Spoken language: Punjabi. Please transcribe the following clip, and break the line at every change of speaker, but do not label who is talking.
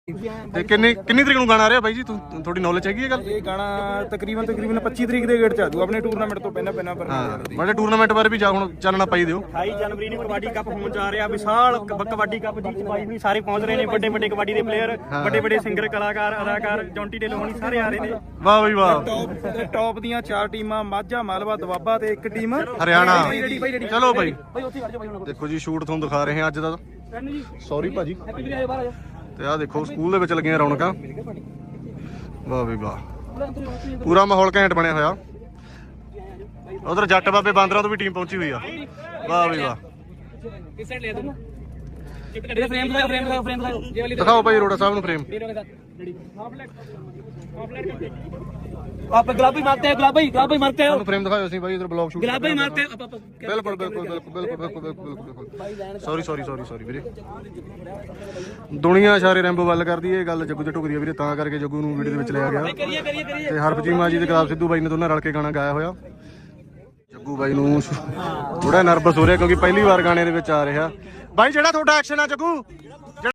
ਤੇ ਕਿੰਨੀ ਤਰੀਕ ਨੂੰ ਗਾਣਾ ਆ ਰਿਹਾ ਬਾਈ ਜੀ ਤੁਹਾਡੀ ਨੌਲੇਜ ਹੈਗੀ ਇਹ ਗੱਲ?
ਇਹ ਗਾਣਾ ਤਕਰੀਬਨ 25 ਤਰੀਕ ਦੇ ਗੇੜ ਚ ਆ ਜੂ ਆਪਣੇ ਟੂਰਨਾਮੈਂਟ ਤੋਂ ਪਹਿਲਾਂ ਪਰ
ਬੜੇ ਟੂਰਨਾਮੈਂਟ ਬਾਰੇ ਵੀ ਜਾ ਹੁਣ ਚਾਨਣਾ ਪਾਈ ਦਿਓ।
28 ਜਨਵਰੀ ਨੂੰ ਕਬੱਡੀ ਕੱਪ ਹੋਣ ਜਾ ਰਿਹਾ, ਵਿਸ਼ਾਲ ਕਬੱਡੀ ਕੱਪ ਜਿੱਤ ਪਾਈ ਹੋਈ, ਸਾਰੇ ਪਹੁੰਚ ਰਹੇ ਨੇ, ਵੱਡੇ ਕਬੱਡੀ ਦੇ ਪਲੇਅਰ, ਵੱਡੇ ਸਿੰਗਰ, ਕਲਾਕਾਰ, ਅਦਾਕਾਰ, ਜੌਂਟੀ ਢਿੱਲੋਂ ਹੋਣੀ ਸਾਰੇ ਆ ਰਹੇ ਨੇ।
ਵਾਹ ਬਈ ਵਾਹ।
ਟੌਪ ਦੀਆਂ 4 ਟੀਮਾਂ ਮਾਝਾ, ਮਾਲਵਾ, ਦੁਆਬਾ ਤੇ ਇੱਕ ਟੀਮ
ਹਰਿਆਣਾ। ਚਲੋ ਬਾਈ ਦੇਖੋ ਜੀ ਸ਼ੂਟ ਤੁਹਾਨੂੰ ਦਿਖਾ ਰਹੇ ਹਾਂ ਅੱਜ ਦਾ। ਸੌਰੀ ਭਾਜੀ। ਤੇ ਆਹ ਦੇਖੋ ਸਕੂਲ ਦੇ ਵਿੱਚ ਲੱਗੀਆਂ ਰੌਣਕਾਂ। ਵਾਹ ਬਈ ਵਾਹ, ਪੂਰਾ ਮਾਹੌਲ ਘੈਂਟ ਬਣਿਆ ਹੋਇਆ। ਉਧਰ ਜੱਟ ਬਾਬੇ ਬਾਂਦਰਾਂ ਤੋਂ ਵੀ ਟੀਮ ਪਹੁੰਚੀ ਹੋਈ ਆ। ਵਾਹ ਬਈ ਵਾਹ। ਦਿਖਾਓ ਭਾਈ ਅਰੋੜਾ ਸਾਹਿਬ ਨੂੰ ਫਰੇਮ।
आप गुलाबी मारते हैं, गुलाबी मारते हैं,
ਫਰੇਮ ਦਿਖਾਓ ਅਸੀਂ ਭਾਈ ਇਧਰ ਬਲੌਗ ਸ਼ੂਟ
गुलाबी मारते हैं।
ਬਿਲਕੁਲ ਸੌਰੀ ਵੀਰੇ। ਦੁਨੀਆ ਸਾਰੇ ਰੈਂਬੋ ਵੱਲ ਕਰਦੀ ਇਹ ਗੱਲ ਜੱਗੂ ਤੇ ਟੁਕਦੀ ਆ ਵੀਰੇ, ਤਾਂ ਕਰਕੇ ਜੱਗੂ ਨੂੰ ਵੀਡੀਓ ਦੇ ਵਿੱਚ ਲਿਆ ਗਿਆ। ਤੇ ਹਰਭਜੀਤ ਮਾਂ ਜੀ ਤੇ ਗੁਲਾਬ ਸਿੱਧੂ ਬਾਈ ਨੇ ਦੋਨਾਂ ਰਲ ਕੇ ਗਾਣਾ ਗਾਇਆ ਹੋਇਆ। ਜੱਗੂ ਬਾਈ ਨੂੰ ਥੋੜਾ ਨਰਵਸ ਹੋ ਰਿਹਾ ਕਿਉਂਕਿ ਪਹਿਲੀ ਵਾਰ ਗਾਣੇ ਦੇ ਵਿੱਚ ਆ ਰਿਹਾ। ਬਾਈ ਜਿਹੜਾ ਤੁਹਾਡਾ ਐਕਸ਼ਨ ਆ ਜੱਗੂ